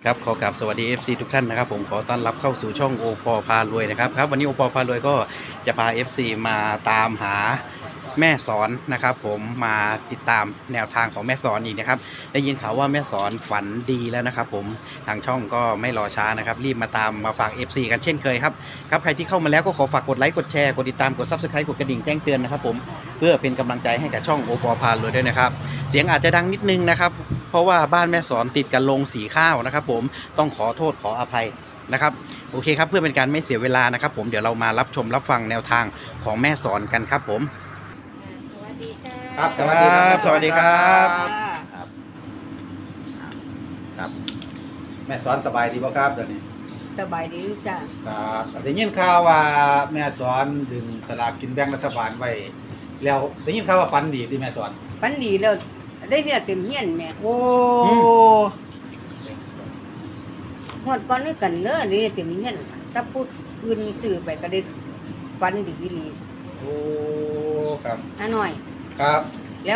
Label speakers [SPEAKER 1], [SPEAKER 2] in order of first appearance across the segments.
[SPEAKER 1] ครับขอกราบสวัสดี FC ทุกท่านนะครับผมขอต้อนรับเข้าสู่ช่องโอปอพารวยนะครับวันนี้โอปอพารวยก็จะพา FC มาตามหาแม่สอนนะครับผมมาติดตามแนวทางของแม่สอนอีกนะครับได้ยินข่าวว่าแม่สอนฝันดีแล้วนะครับผมทางช่องก็ไม่รอช้านะครับรีบมาตามมาฝาก FC กันเช่นเคยครับใครที่เข้ามาแล้วก็ขอฝากกดไลค์กดแชร์กดติดตามกด Subscribe กดกระดิ่งแจ้งเตือนนะครับผมเพื่อเป็นกำลังใจให้กับช่องโอปอพารวยด้วยนะครับเสียงอาจจะดังนิดนึงนะครับเพราะว่าบ้านแม่สอนติดกันลงสีข้าวนะครับผมต้องขอโทษขออภัยนะครับโอเคครับเพื่อเป็นการไม่เสียเวลานะครับผมเดี๋ยวเรามารับชมรับฟังแนวทางของแม่สอนกันครับผม
[SPEAKER 2] สวัสดีค่ะ
[SPEAKER 3] ครับสวัสดีครับ
[SPEAKER 1] สวัสดีครับ
[SPEAKER 3] ครับครับแม่สอนสบายดีบ่ครับเดี๋ยวนี้
[SPEAKER 2] สบายดีจ้ะ
[SPEAKER 3] ครับได้ยินข่าวว่าแม่สอนดึงสลากกินแบ่งรัฐบาลไว้แล้วได้ยินข่าวว่าฝันดีที่แม่สอน
[SPEAKER 2] ปันดีแล้วได้เนี่ยเต็มเฮียนแม่
[SPEAKER 3] โอ้
[SPEAKER 2] หมดก่อนนี่กันเด้อนี่เต็มเฮียนถ้าพูดอื่นสื่อไปก็ได้ปันดีนี่
[SPEAKER 3] โอ้ครับ
[SPEAKER 2] หน่อย
[SPEAKER 3] ครับ
[SPEAKER 2] แล้ว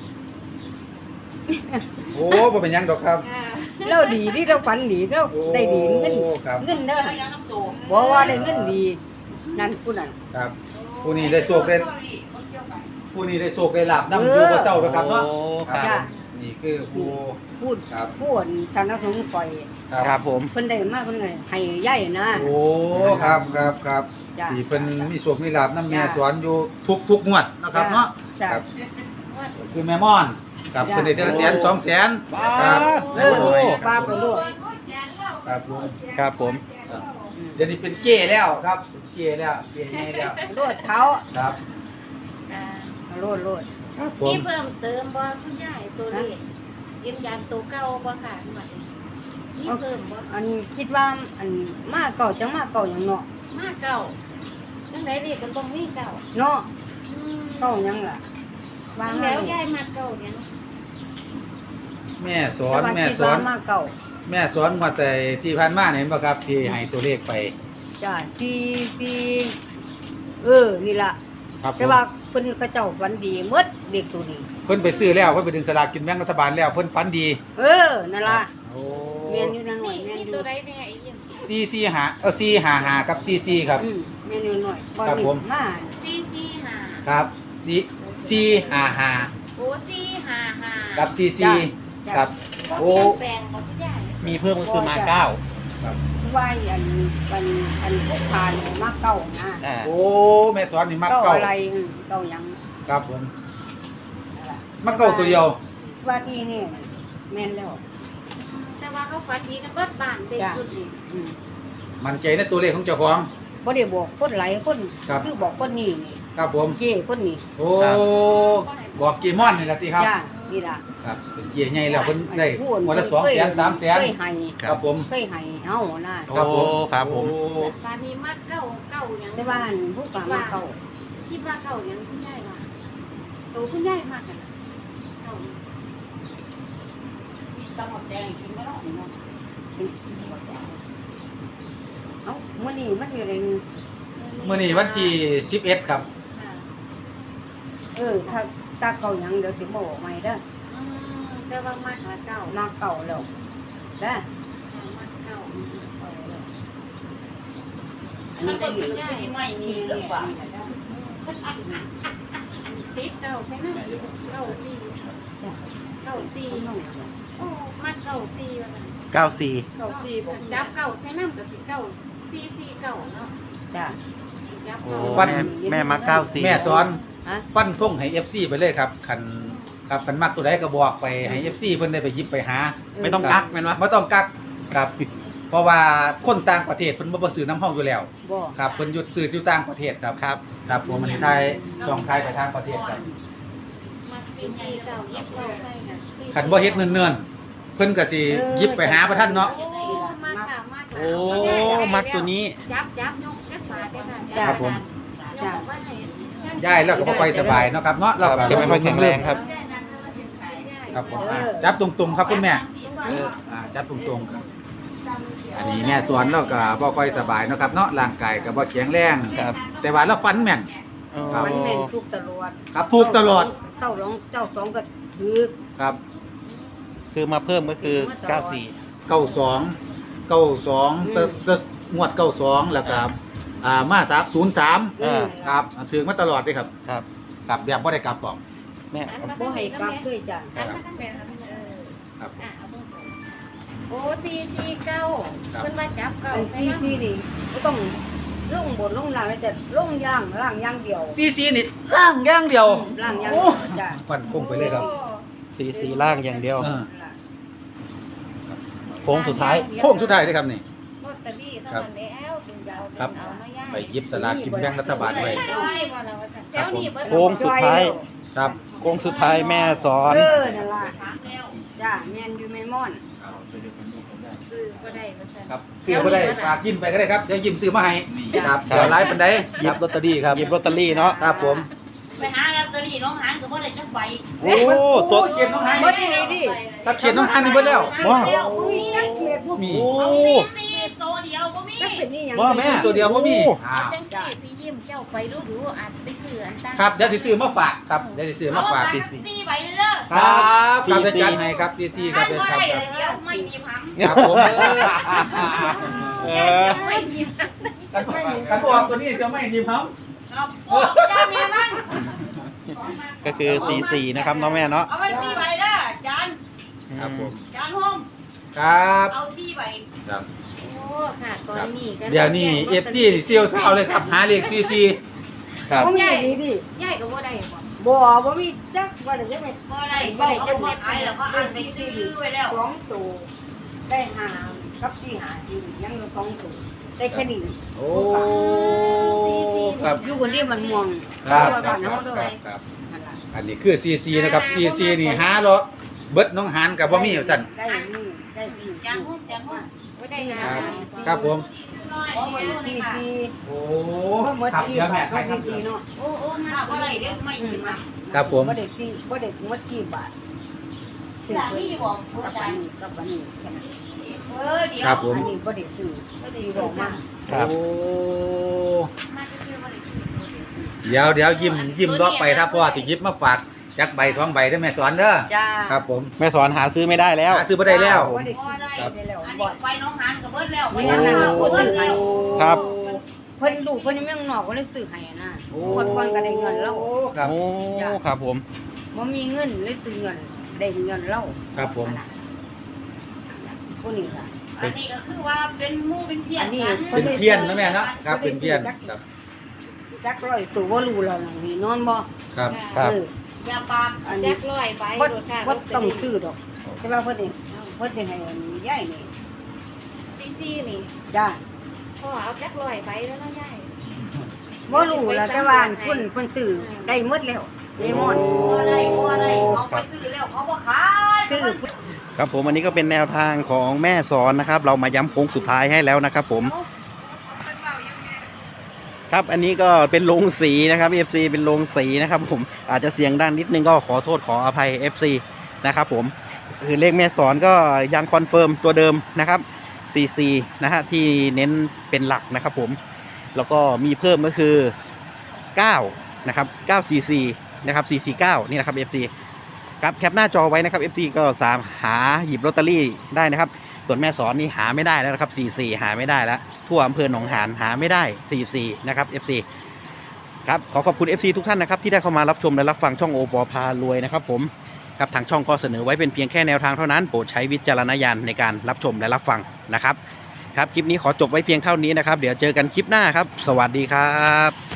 [SPEAKER 3] โอ้บ่เป็นหยังดอกครับ
[SPEAKER 2] เราดีที่เราปันดีเรา
[SPEAKER 3] โอ้
[SPEAKER 2] ได้ดีเงิน
[SPEAKER 3] ครับ
[SPEAKER 2] เงินเด้อบอกว่าได้เงินดีนั่นผู้นั้น
[SPEAKER 3] ครับผู้นี้ได้โชคได้ผู้นี้ได้โชคได้ลาบนำอยู่บ่เศร้านะครับเนาะ
[SPEAKER 1] โอ้ค
[SPEAKER 3] ค
[SPEAKER 1] รั
[SPEAKER 3] รั
[SPEAKER 1] บบ
[SPEAKER 3] นี่คือผู้
[SPEAKER 2] พูด
[SPEAKER 3] ครับ
[SPEAKER 2] พูดทางนักสงฆ์ปล่อย
[SPEAKER 1] ครับผม
[SPEAKER 2] เพิ่นได้มากเพิ่นไงให้ใหญ่นะ
[SPEAKER 3] โอ้ครับครับครับ
[SPEAKER 2] จ้ะ
[SPEAKER 3] ที่เพิ่นมีโชคมีลาบนำแม่สอนอยู่ทุกงวดนะครับเนาะ
[SPEAKER 2] จ้ะ
[SPEAKER 3] ครับคือแม่ม่อนครับ
[SPEAKER 2] จ้ะ
[SPEAKER 3] เพิ่นได้แต่ละแสน2 แสนครับ
[SPEAKER 2] เออป้าไปลูก
[SPEAKER 3] ครับผม
[SPEAKER 1] ครับผม
[SPEAKER 3] ครับเดี๋ยวนี้เป็นเก้แล้วครับเป็นเก้แล้วเก้ใหญ่แล้ว
[SPEAKER 2] โลดเท้า
[SPEAKER 3] ครับ
[SPEAKER 2] โลด
[SPEAKER 3] ครับผม
[SPEAKER 4] นี่เพิ่มเติมบ่คุณยายตัวเลขยืนยันตัวเก่าบ่ค่ะหมดนี่เพิ่มบ่
[SPEAKER 2] อันคิดว่าอันมาเก่าจังมาเก่าอย่างเนาะ
[SPEAKER 4] มาเก่าจังไดเลขก็ต้องมีเก่า
[SPEAKER 2] เนาะ
[SPEAKER 4] อืม
[SPEAKER 2] เก่ายังล่ะวาง
[SPEAKER 4] แล้วยายมาเก่าเนี่ย
[SPEAKER 3] แม่สอนแม่สอน
[SPEAKER 2] มาเก่า
[SPEAKER 3] แม่สอนมาแต่ที่ผ่านมาเนี่ยเห็นบ่ครับที่ให้ตัวเลขไป
[SPEAKER 2] จ้ะที่นี่ล่ะ
[SPEAKER 3] ครับผ
[SPEAKER 2] แต่
[SPEAKER 3] ม
[SPEAKER 2] ว่าเพิ่นกระเจ้าฝันดีหมดเด็กตัวนี้
[SPEAKER 3] เพิ่นไปซื้อแล้วเพิ่นไปดึงสลากกินแบ่งรัฐบาลแล้วเพิ่นฝันดี
[SPEAKER 2] นั่นล่ะ
[SPEAKER 3] โอ้
[SPEAKER 2] แม่นอยู่นั่นหน่อย
[SPEAKER 4] นี่
[SPEAKER 2] แม่นอยู่
[SPEAKER 4] ตัวใดแน่ไอ้เยี่ยม
[SPEAKER 3] 455กับ44ครับ
[SPEAKER 2] แม่นอยู่หน่อยบ่
[SPEAKER 3] ครับ
[SPEAKER 2] นี่
[SPEAKER 3] ผม
[SPEAKER 2] มา
[SPEAKER 4] 445
[SPEAKER 3] ครับ455
[SPEAKER 4] โอ้455
[SPEAKER 3] กับ44ครับ
[SPEAKER 4] บ่
[SPEAKER 3] โอ้
[SPEAKER 4] เปลี่ยนแปลงบ่คุณยาย
[SPEAKER 1] มีเพิ่มก็คือมาเก้า
[SPEAKER 3] ครับ
[SPEAKER 2] ว่าอันพวกทานมาเก่านะ
[SPEAKER 1] อ่า
[SPEAKER 3] โอ้แม่สอนนี่มัก
[SPEAKER 2] เก่า
[SPEAKER 3] เก่า
[SPEAKER 2] อะไรเก่ายัง
[SPEAKER 3] ครับผม
[SPEAKER 2] นั่นล่ะ
[SPEAKER 3] มักเก่าตัวเดียว
[SPEAKER 2] ว่าที่นี่แม่นแล้ว
[SPEAKER 4] แต่ว่าเขาฝันดีกันเบิดบ้านเด็กสุดนี่
[SPEAKER 2] อืม
[SPEAKER 3] มั่นใจในตัวเลขของเจ้าของ
[SPEAKER 2] บ่ได้บอกคนหลายคน
[SPEAKER 3] ครับ
[SPEAKER 2] คือบอกคนนี้นี่
[SPEAKER 3] ครับผม
[SPEAKER 2] เจ้คนนี้
[SPEAKER 3] โอ้บอกเกมอนนี่ล่ะติครับ
[SPEAKER 2] จ้านี่ล่ะ
[SPEAKER 3] ครับเป็นเกียร์ใหญ่แล้วเพิ่นได้
[SPEAKER 2] พูด
[SPEAKER 3] วันละ2 แสน3 แสน
[SPEAKER 2] เคยให้
[SPEAKER 3] ครับผม
[SPEAKER 2] เคยให้เฮานะ
[SPEAKER 1] โอ้ครับผม
[SPEAKER 3] โอ้
[SPEAKER 4] บ้านนี้มาเก่าเก่าหยัง
[SPEAKER 2] แต่ว่าอันผู้กลางมาเก่า
[SPEAKER 4] คิดว่าเก่าหยังคุณยายว่าตัวคุณยายมากกันเก่า
[SPEAKER 2] ต้องหมดแดงกินบ่ได้เนาะเอ้ามื้อนี้มันอยู่ใน
[SPEAKER 3] มื้อนี้วันที่11ครับ
[SPEAKER 4] ค่ะ
[SPEAKER 2] ถ้าตาเก่าหยังเดี๋ยวสิบอกใหม่เด้อ
[SPEAKER 4] อืมแต่ว่ามากกว่าเก่า
[SPEAKER 2] มาเก่าแล้วเด้อ
[SPEAKER 4] มากเก่า
[SPEAKER 2] อันนี้ได้อยู่
[SPEAKER 4] ไม่มีหรือเปล่าติดเก่าใช่ไหมเก่าสี่เก่าสี่โอ้มากเก่าสี่ว่าซั่น
[SPEAKER 1] เก้าสี่
[SPEAKER 4] เก่าสี่ผมจับเก่าใช่ไหมก็สิเก่าสี่สี่เก่าเนาะ
[SPEAKER 2] จ้ะ
[SPEAKER 4] จับ
[SPEAKER 1] โอ้
[SPEAKER 4] เก่า
[SPEAKER 1] แม่มาเก้าสี่
[SPEAKER 3] แม่สอน
[SPEAKER 2] ฮะ
[SPEAKER 3] ฟันธงให้ FC ไปเลยครับคันครับคันมักตัวใดก็บอกไปให้ FC เพิ่นได้ไปหยิบไปหา
[SPEAKER 1] ไม่ต้องกักแม่นวะ
[SPEAKER 3] บ่ต้องกักครับ เพราะว่าคนต่างประเทศเพิ่นบ่ซื้อน้ำเฮาอยู่แล้ว
[SPEAKER 2] บ่
[SPEAKER 3] ครับเพิ่นหยุดซื้ออยู่ต่างประเทศครับ
[SPEAKER 1] ครับ
[SPEAKER 3] ครับผมอันนี้ไทยช่องไทยไปทางประเทศครับ
[SPEAKER 4] มาสี่สี่เก่าเย็บเก่าใช่ค่ะสี่
[SPEAKER 3] คันบ่เฮ็ดเนิ่นๆเพิ่นก็สิหยิบไปหาประท่านเนาะ
[SPEAKER 4] โอ้มากค่ะมากค่ะ
[SPEAKER 1] โอ้มักตัวนี้
[SPEAKER 4] จับยกจับบาทได้ค่ะ
[SPEAKER 3] ครับผม
[SPEAKER 4] ยกว่าให้
[SPEAKER 3] ย้ายแล้วก็บ่ค่อยสบายเนาะครับเนาะเราก็
[SPEAKER 1] จะไม่ค่อยแข็งแรงครับ
[SPEAKER 3] ครับผมจับตรงๆครับคุณแม่จับตรงๆครับ อันนี้แม่สวนเราก็บ่ค่อยสบายเนาะครับเนาะร่างกายก็บ่แข็งแรง
[SPEAKER 1] ครับ
[SPEAKER 3] แต่ว่าเราฟันแม่น ครับ
[SPEAKER 2] มันแม่นทุกตลอด
[SPEAKER 3] ครับถูกตลอด
[SPEAKER 2] เจ้าสองก็ถือ
[SPEAKER 3] ครับ
[SPEAKER 1] คือมาเพิ่มก็คือเก้าสี่
[SPEAKER 3] แต่งวด92แล้วก็มา303ครับถึงมาตลอดเด้ครับ
[SPEAKER 1] ครับ
[SPEAKER 3] ครับแบบบ่ได้กลับบอก
[SPEAKER 1] แม่
[SPEAKER 2] บ่ให้กลับด้วยจ้ะ
[SPEAKER 4] อันมาตั้งแต่
[SPEAKER 3] ครับ
[SPEAKER 4] เอาเบิ่งโอ้449เพิ่นว่าจับเก่า
[SPEAKER 2] อัน
[SPEAKER 4] ใส่
[SPEAKER 2] ที่
[SPEAKER 4] น้ำ
[SPEAKER 2] นี่ก็ต้องลงบนลงล่างแต่ลงล่างอย่างเดียว
[SPEAKER 3] CC นี่ล่างอย่างเดียว
[SPEAKER 2] ล่างอย่าง
[SPEAKER 3] โอ้
[SPEAKER 2] เดียวจ้ะ
[SPEAKER 3] ฟันพุ่งไปเลยครับ
[SPEAKER 1] สีล่างอย่างเดียว โค้งสุดท้าย
[SPEAKER 3] โค้งสุดท้ายเด้ครับนี่
[SPEAKER 4] ลอตเตอรี่เท่านั้นแล้วถึงจะเอา
[SPEAKER 3] ครับ
[SPEAKER 4] เอามาย่าง
[SPEAKER 3] ไปหยิบสลากกินแบ่งรัฐบาลไว้
[SPEAKER 4] แถวนี้เบิด
[SPEAKER 1] โค้งสุดท้าย
[SPEAKER 3] ครับ
[SPEAKER 1] โค้งสุดท้ายแม่สอน
[SPEAKER 2] นั่นล่ะจ้ะแม่นอยู่แม่ม่อน
[SPEAKER 4] ซื้อก็ได้ว่าซั่น
[SPEAKER 3] ครับซื้อบ่ได้ฝากยิ้มไปก็ได้ครับเดี๋ยวยิ้มซื้อมาให้ครับเดี๋ยวไลฟ์ปานใดหยิบลอตเตอรี่ครับ
[SPEAKER 1] หยิบลอตเตอรี่เนาะ
[SPEAKER 3] ครับผม
[SPEAKER 5] ไปหาลอตเตอรี่น้องหานก็บ่ได้จักใบ
[SPEAKER 1] โอ้ตัว
[SPEAKER 3] เขียนน้องหาน
[SPEAKER 2] บ่ได้ดิ
[SPEAKER 3] ถ้าเขียนน้องหานนี่เบิดแล้ว
[SPEAKER 1] ว้าว
[SPEAKER 5] เดียวบ่มี
[SPEAKER 2] จักเม็ดบ่
[SPEAKER 3] มี
[SPEAKER 1] โอ้
[SPEAKER 5] เอาซีตัวเดียวบ่มี
[SPEAKER 2] จักเป็นนี่หยัง
[SPEAKER 1] ว่าแม่
[SPEAKER 3] ตัวเดียวบ่มี
[SPEAKER 4] เอาจังซี่พี่ยิ้มเจ้าไปดูๆอาจไปซื้ออันตั้ง
[SPEAKER 3] ครับเดี๋ยวสิซื้อมาฝากครับเดี๋ยวสิซื้อมาฝาก
[SPEAKER 5] เอซีใบเด้อ
[SPEAKER 3] ครับครับเดี๋ยวจัดให้ครับ CC ค
[SPEAKER 5] ถ้า
[SPEAKER 3] รับเดี๋ยว
[SPEAKER 5] บ่
[SPEAKER 3] ครับ
[SPEAKER 5] ได้
[SPEAKER 3] ครับ
[SPEAKER 5] เดี๋ยวไม่มีพัง
[SPEAKER 3] ครับผม
[SPEAKER 1] เอ
[SPEAKER 4] ยัง
[SPEAKER 1] อ
[SPEAKER 4] ไม่มี
[SPEAKER 3] กันออกตัวนี้เสียไม่ทีมครับ
[SPEAKER 5] ครับโอ้เจ้าแม่มัน
[SPEAKER 1] ก็คือ44นะครับเนาะแม่เนาะ
[SPEAKER 5] เอาไว้ซีใบเด้อจาน
[SPEAKER 3] ครับผม
[SPEAKER 5] จานโฮม
[SPEAKER 3] ครับ
[SPEAKER 5] เอาซีใบ
[SPEAKER 3] ครับ
[SPEAKER 4] โอ้ค่ะตอนนี้ก็
[SPEAKER 3] เดี๋ยวนี้ FC นี่เซียวซาวเลยครับหาเลข CC
[SPEAKER 1] ครับ
[SPEAKER 2] บ่มีดีดิ
[SPEAKER 4] ยายก็บ่ได้บ่
[SPEAKER 2] บ่มีจักบ่ได้จักเม็ด
[SPEAKER 5] บ่ได้บ่ได้จะมาขายแล้วก็อันไปซื้อไว้แล้ว
[SPEAKER 2] สองตัวได้ห้ากับที่หาที่ยังอยู่สองตัวได้แค่นี้
[SPEAKER 3] โอ้ครับ
[SPEAKER 2] อยู่คนเดียวมันม่วง
[SPEAKER 3] ครับ
[SPEAKER 2] อยู่
[SPEAKER 3] ครั
[SPEAKER 2] บ้า
[SPEAKER 3] บ
[SPEAKER 2] นเฮาเด้อ
[SPEAKER 3] ครับ
[SPEAKER 2] นั่นล่ะ
[SPEAKER 3] อันนี้คือ CC นะครับ CC นี่หาเลาะเบิดน้องหานกับบ่มีสั่น
[SPEAKER 2] ได้นี่ได้นี่
[SPEAKER 5] จานโฮมจานโฮม
[SPEAKER 4] บ่ได้งา
[SPEAKER 3] ครับ
[SPEAKER 4] น
[SPEAKER 3] ครับผม
[SPEAKER 5] โอ้ย
[SPEAKER 2] ที่
[SPEAKER 5] ค่ะ
[SPEAKER 2] ที่
[SPEAKER 3] โอ้
[SPEAKER 2] บ่หมด
[SPEAKER 3] ครับ
[SPEAKER 2] ที่
[SPEAKER 3] เดี๋ยวแม่
[SPEAKER 2] บาท
[SPEAKER 3] ใคร
[SPEAKER 2] ก็
[SPEAKER 3] ครับ
[SPEAKER 2] ที่เนาะ
[SPEAKER 4] โอ้โอ้มา
[SPEAKER 5] ถ้าบ่
[SPEAKER 4] บ่
[SPEAKER 5] ได้
[SPEAKER 4] ได้
[SPEAKER 5] เดี๋ยวไม่มีมา
[SPEAKER 3] ครับผม
[SPEAKER 2] บ่ได้ที่บ่ได้หมดกี่บาท
[SPEAKER 5] หลังนี่บอก
[SPEAKER 2] กั
[SPEAKER 5] อา
[SPEAKER 2] บ
[SPEAKER 5] จา
[SPEAKER 2] อั
[SPEAKER 5] ร
[SPEAKER 2] น
[SPEAKER 5] ย์
[SPEAKER 2] นี้กับอันนี้แค่นั้น
[SPEAKER 5] เดี๋ยว
[SPEAKER 3] ครับผม
[SPEAKER 2] อันนี้บ่ได้ซื้อบ่ได้บอกมา
[SPEAKER 1] ครับ
[SPEAKER 3] โอ้
[SPEAKER 4] มาก็คือบ่ได้ซื้อ
[SPEAKER 3] เดี๋ยวยิ้มเลาะไปถ้าพ่อที่หยิบมาฝากจักใบสองใบได้อแม่สอนเด้อ
[SPEAKER 2] จ้า
[SPEAKER 3] ครับผม
[SPEAKER 1] แม่สอนหาซื้อไม่ได้แล้ว
[SPEAKER 3] หาซื้อบ่ได้แล้ว
[SPEAKER 2] บ่ได้
[SPEAKER 5] บ่
[SPEAKER 2] ซื้อ
[SPEAKER 5] ได้
[SPEAKER 2] ได้แล้ว
[SPEAKER 5] อัน
[SPEAKER 2] บ่
[SPEAKER 5] นี้ไปน้องหานก็เบิดแล้ว
[SPEAKER 2] ไม่งั้นน่ะพูดถึงไง
[SPEAKER 1] ครับ
[SPEAKER 2] เพิ่นลูกเพิ่นยังไม่นอกก็เลยซื้อให้อะนะ
[SPEAKER 3] โอ้
[SPEAKER 2] กดก่อนก็ได้เงินแล้ว
[SPEAKER 3] ครับ
[SPEAKER 1] โอ้ครับผม
[SPEAKER 2] บ่มีเงินเลยซื้อเงินได้เงินแล้ว
[SPEAKER 3] ครับผม
[SPEAKER 2] ผู้นี้ล่ะ
[SPEAKER 5] อันนี้ก็คือว่าเป็นหมู่เป็นเพี้ยนกัน
[SPEAKER 3] เป็นเพี้ยนนะแม่เนาะครับเป็นเพี้ยนครับ
[SPEAKER 2] จักร้อยตัวบ่รู้แล้วนั่นนี่นอนบ่
[SPEAKER 3] ครับ
[SPEAKER 1] ครับ
[SPEAKER 2] เออ
[SPEAKER 5] อย่าปาก
[SPEAKER 2] อัน
[SPEAKER 4] แจ็
[SPEAKER 2] นี้
[SPEAKER 4] คร้อยไป
[SPEAKER 2] บ่
[SPEAKER 4] โดดค่ะ
[SPEAKER 2] บ่ต้องซื้อดอกแต่ว่าเพิ่นนี่เพิ่นสิให้อันยายนี่
[SPEAKER 4] ซีนี่
[SPEAKER 2] จ้า
[SPEAKER 4] พ่อเอาแจ็คร้อยไปแล้วเนาะยาย
[SPEAKER 2] บ่รู้แล้วแต่ว่าเพิ่นซื้อได้หมดแล้วเลมอน
[SPEAKER 5] บ่ได้เขาไปซื้อแล้วเขาบ่ขาย
[SPEAKER 2] ซื้อ
[SPEAKER 1] ครับผมอันนี้ก็เป็นแนวทางของแม่สอนนะครับ เรามาย้ำโค้งสุดท้ายให้แล้วนะครับผม ครับอันนี้ก็เป็นโรงสีนะครับ FC เป็นโรงสีนะครับผมอาจจะเสียงดังนิดนึงก็ขอโทษขออภัย FC นะครับผมคือเลขแม่สอนก็ยังคอนเฟิร์มตัวเดิมนะครับ44นะฮะที่เน้นเป็นหลักนะครับผมแล้วก็มีเพิ่มก็คือ9นะครับ944นะครับ449นี่นะครับ FC ครับแคปหน้าจอไว้นะครับ FC ก็สามหาหยิบลอตเตอรี่ได้นะครับส่วนแม่สอนนี่หาไม่ได้แล้วนะครับ44หาไม่ได้แล้วทั่วอำเภอหนองหานหาไม่ได้44นะครับ FC ครับขอขอบคุณ FC ทุกท่านนะครับที่ได้เข้ามารับชมและรับฟังช่องโอปอพารวยนะครับผมครับทางช่องก็เสนอไว้เป็นเพียงแค่แนวทางเท่านั้นโปรดใช้วิจารณญาณในการรับชมและรับฟังนะครับครับคลิปนี้ขอจบไว้เพียงเท่านี้นะครับเดี๋ยวเจอกันคลิปหน้าครับสวัสดีครับ